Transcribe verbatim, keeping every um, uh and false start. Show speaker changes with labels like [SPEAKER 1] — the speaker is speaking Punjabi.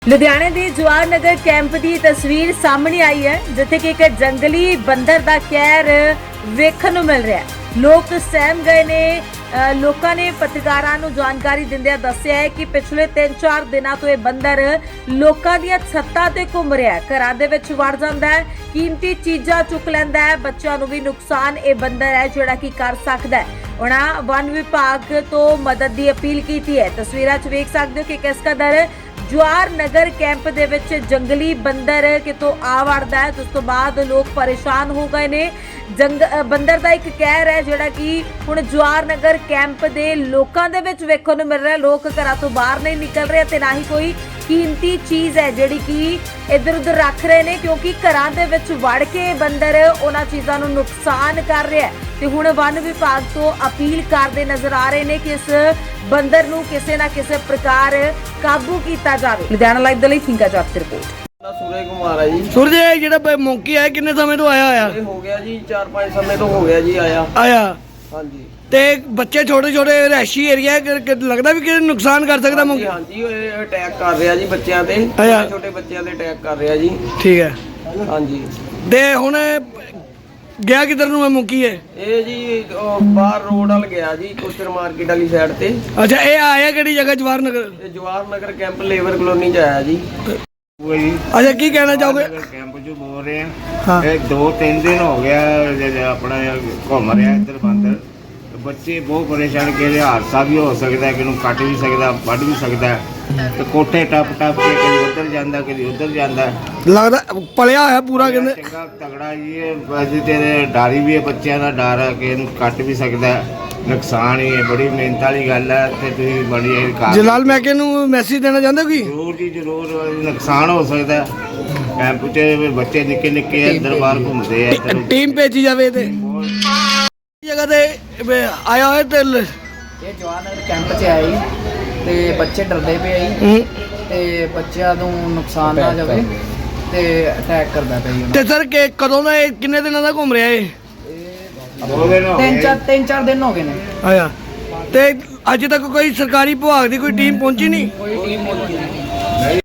[SPEAKER 1] ਲੁਧਿਆਣੇ ਦੇ ਜਵਾਹਰ ਨਗਰ ਕੈਂਪ ਦੀ ਤਸਵੀਰ ਸਾਹਮਣੇ ਆਈ ਹੈ ਜਿੱਥੇ ਕਿ ਇੱਕ ਜੰਗਲੀ ਬੰਦਰ ਦਾ ਕਹਿਰ ਵੇਖਣ ਨੂੰ ਮਿਲ ਰਿਹਾ ਹੈ। ਲੋਕ ਸਹਿਮ ਗਏ ਨੇ। ਅ, ਲੋਕਾਂ ਨੇ ਪੱਤਰਕਾਰਾਂ ਨੂੰ ਜਾਣਕਾਰੀ ਦਿੰਦਿਆਂ ਦੱਸਿਆ ਹੈ ਕਿ ਪਿਛਲੇ ਤਿੰਨ ਚਾਰ ਦਿਨਾਂ ਤੋਂ ਇਹ ਬੰਦਰ ਲੋਕਾਂ ਦੀਆਂ ਛੱਤਾਂ ਤੇ ਘੁੰਮ ਰਿਹਾ ਹੈ, ਘਰਾਂ ਦੇ ਵਿੱਚ ਵੜ ਜਾਂਦਾ ਹੈ, ਕੀਮਤੀ ਚੀਜ਼ਾਂ ਚੁੱਕ ਲੈਂਦਾ ਹੈ। ਬੱਚਿਆਂ ਨੂੰ ਵੀ ਨੁਕਸਾਨ ਇਹ ਬੰਦਰ ਹੈ ਜਿਹੜਾ ਕਿ ਕਰ ਸਕਦਾ ਹੈ। ਉਹਨਾਂ ਵਨ ਵਿਭਾਗ ਤੋਂ ਮਦਦ ਦੀ ਅਪੀਲ ਕੀਤੀ ਹੈ। ਤਸਵੀਰਾਂ 'ਚ ਵੇਖ ਸਕਦੇ ਹੋ ਕਿ ਕਿਸ ਕਦਰ ਜਵਾਹਰ ਨਗਰ ਕੈਂਪ ਦੇ ਵਿੱਚ ਜੰਗਲੀ ਬੰਦਰ ਕਿਤੋਂ ਆ ਵੜਦਾ ਹੈ। ਉਸ ਤੋਂ ਬਾਅਦ ਲੋਕ ਪਰੇਸ਼ਾਨ ਹੋ ਗਏ ਨੇ। ਜੰਗ ਬੰਦਰ ਦਾ ਇੱਕ ਕਹਿਰ ਹੈ ਜਿਹੜਾ ਕਿ ਹੁਣ ਜਵਾਹਰ ਨਗਰ ਕੈਂਪ ਦੇ ਲੋਕਾਂ ਦੇ ਵਿੱਚ ਵੇਖਣ ਨੂੰ ਮਿਲ ਰਿਹਾ। ਲੋਕ ਘਰਾਂ ਤੋਂ ਬਾਹਰ ਨਹੀਂ ਨਿਕਲ ਰਹੇ ਤੇ ਨਾ ਹੀ ਕੋਈ ਕੀਮਤੀ ਚੀਜ਼ ਹੈ ਜਿਹੜੀ ਕਿ ਇੱਧਰ ਉੱਧਰ ਰੱਖ ਰਹੇ ਨੇ, ਕਿਉਂਕਿ ਘਰਾਂ ਦੇ ਵਿੱਚ ਵੜ ਕੇ ਬੰਦਰ ਉਹਨਾਂ ਚੀਜ਼ਾਂ ਨੂੰ ਨੁਕਸਾਨ ਕਰ ਰਿਹਾ ਹੈ। ਤੇ ਹੁਣ ਵਨ ਵਿਭਾਗ ਤੋਂ ਅਪੀਲ ਕਰਦੇ ਨਜ਼ਰ ਆ ਰਹੇ ਨੇ ਕਿ ਇਸ ਬੰਦਰ ਨੂੰ ਕਿਸੇ ਨਾ ਕਿਸੇ ਪ੍ਰਕਾਰ ਕਾਬੂ ਕੀਤਾ ਜਾਵੇ। ਲੁਧਿਆਣਾ ਲਾਈਵ ਦੇ ਲਈ ਥਿੰਕਾ ਜੱਟ ਦੀ ਰਿਪੋਰਟ।
[SPEAKER 2] सूरज कुमार है जी।
[SPEAKER 3] सूरज ਜਿਹੜਾ ਮੌਂਕੀ ਆਇਆ ਕਿੰਨੇ ਸਮੇਂ ਤੋਂ ਆਇਆ ਹੋਇਆ?
[SPEAKER 2] ये हो गया जी चार पाँच समय तो हो गया जी आया।
[SPEAKER 3] ਆਇਆ
[SPEAKER 2] हाँ जी
[SPEAKER 3] ਤੇ ਬੱਚੇ ਛੋਟੇ ਛੋਟੇ ਰਹਿਸ਼ੀ ਏਰੀਆ ਲੱਗਦਾ ਵੀ ਕਿ ਨੁਕਸਾਨ ਕਰ ਸਕਦਾ
[SPEAKER 2] हाँ
[SPEAKER 3] ਮੌਂਕੀ।
[SPEAKER 2] जी हाँ जी ये अटैक कर रहा जी बच्चों ते
[SPEAKER 3] आया।
[SPEAKER 2] छोटे छोटे बच्चों ते अटैक कर रहा जी।
[SPEAKER 3] ਠੀਕ ਹੈ
[SPEAKER 2] हाँ जी
[SPEAKER 3] ਤੇ ਹੁਣ ਗਿਆ ਕਿੱਧਰ ਨੂੰ ਇਹ ਮੌਂਕੀ ਹੈ?
[SPEAKER 2] ये जी ओ, बाहर रोड वाल गया जी कोस्टर मार्केट वाली साइड ते।
[SPEAKER 3] ਅੱਛਾ ਇਹ ਆਇਆ ਕਿਹੜੀ ਜਗ੍ਹਾ? ਜਵਾਹਰ ਨਗਰ।
[SPEAKER 2] ये Jawahar Nagar camp labour colony च आया जी।
[SPEAKER 3] ਅੱਛਾ ਕੀ ਕਹਿਣਾ ਚਾਹੋਗੇ?
[SPEAKER 4] ਕੈਂਪ ਚ ਬੋਲ ਰਹੇ
[SPEAKER 3] ਹਾਂ।
[SPEAKER 4] ਆ ਇਹ ਦੋ ਤਿੰਨ ਦਿਨ ਹੋ ਗਿਆ ਜੇ ਆਪਣਾ ਘੁੰਮ ਰਿਹਾ ਇੱਧਰ ਬੰਦਰ। ਬੱਚੇ ਬਹੁਤ ਪਰੇਸ਼ਾਨ ਕਿ ਹਾਦਸਾ ਵੀ ਹੋ ਸਕਦਾ, ਕਿ ਨੂੰ ਕੱਟ ਵੀ ਸਕਦਾ, ਵੱਢ ਵੀ ਸਕਦਾ ਤੇ ਕੋਠੇ ਟੱਪ ਟੱਪ ਕੇ ਕਦੀ ਉੱਧਰ ਜਾਂਦਾ ਕਦੀ ਉੱਧਰ ਜਾਂਦਾ।
[SPEAKER 3] ਲੱਗਦਾ ਪਲਿਆ ਹੋਇਆ ਪੂਰਾ ਕਹਿੰਦੇ।
[SPEAKER 4] ਚੰਗਾ ਤਗੜਾ ਜੀ ਇਹ ਅਸੀਂ ਤੇ ਡਾਰੀ ਵੀ ਹੈ, ਬੱਚਿਆਂ ਦਾ ਡਰ ਹੈ ਕਿ ਇਹਨੂੰ ਕੱਟ ਵੀ ਸਕਦਾ, ਨੁਕਸਾਨ ਹੀ ਹੈ। ਬੜੀ ਮਿਹਨਤ ਵਾਲੀ ਗੱਲ ਹੈ ਤੇ ਤੁਸੀਂ ਬੜੀ ਇਹ ਕਰ
[SPEAKER 3] ਜਲਾਲ ਮੈਕੇ ਨੂੰ ਮੈਸੇਜ ਦੇਣਾ ਚਾਹੁੰਦੇ ਹੋ ਕਿ
[SPEAKER 4] ਜ਼ਰੂਰ ਜੀ ਜ਼ਰੂਰ ਨੁਕਸਾਨ ਹੋ ਸਕਦਾ। ਕੈਂਪ ਚ ਬੱਚੇ ਨਿੱਕੇ ਨਿੱਕੇ ਅੰਦਰ ਬਾਹਰ ਘੁੰਮਦੇ ਆ ਇੱਧਰ
[SPEAKER 3] ਟੀਮ ਭੇਜੀ ਜਾਵੇ ਤੇ ਜਗ੍ਹਾ ਤੇ ਵੀ ਆਇਆ ਹੋਇਆ ਤੇ ਲ-
[SPEAKER 5] ਇਹ ਜਵਾਹਰ ਨਗਰ ਕੈਂਪ 'ਚ ਆਇਆ ਜੀ ਤੇ ਬੱਚੇ ਡਰਦੇ ਪਏ ਆ ਜੀ
[SPEAKER 3] ਹੂੰ।
[SPEAKER 5] ਤੇ ਬੱਚਿਆਂ ਨੂੰ ਨੁਕਸਾਨ ਨਾ ਜਾਵੇ ਤੇ ਅਟੈਕ ਕਰਦਾ ਪਿਆ ਜੀ
[SPEAKER 3] ਤੇ ਸਰ ਕਿ ਕਦੋਂ ਦਾ ਇਹ ਕਿੰਨੇ ਦਿਨਾਂ ਦਾ ਘੁੰਮ ਰਿਹਾ ਇਹ?
[SPEAKER 4] ਦੋ ਦਿਨ ਹੋ
[SPEAKER 5] ਤਿੰਨ
[SPEAKER 4] ਗਏ।
[SPEAKER 5] ਚਾਰ ਤਿੰਨ ਚਾਰ ਦਿਨ ਹੋ ਗਏ ਨੇ।
[SPEAKER 3] ਆਇਆ ਤੇ ਅੱਜ ਤੱਕ ਕੋਈ ਸਰਕਾਰੀ ਵਿਭਾਗ ਦੀ ਕੋਈ ਟੀਮ ਪਹੁੰਚੀ ਨਹੀਂ?
[SPEAKER 5] ਕੋਈ ਟੀਮ ਨਹੀਂ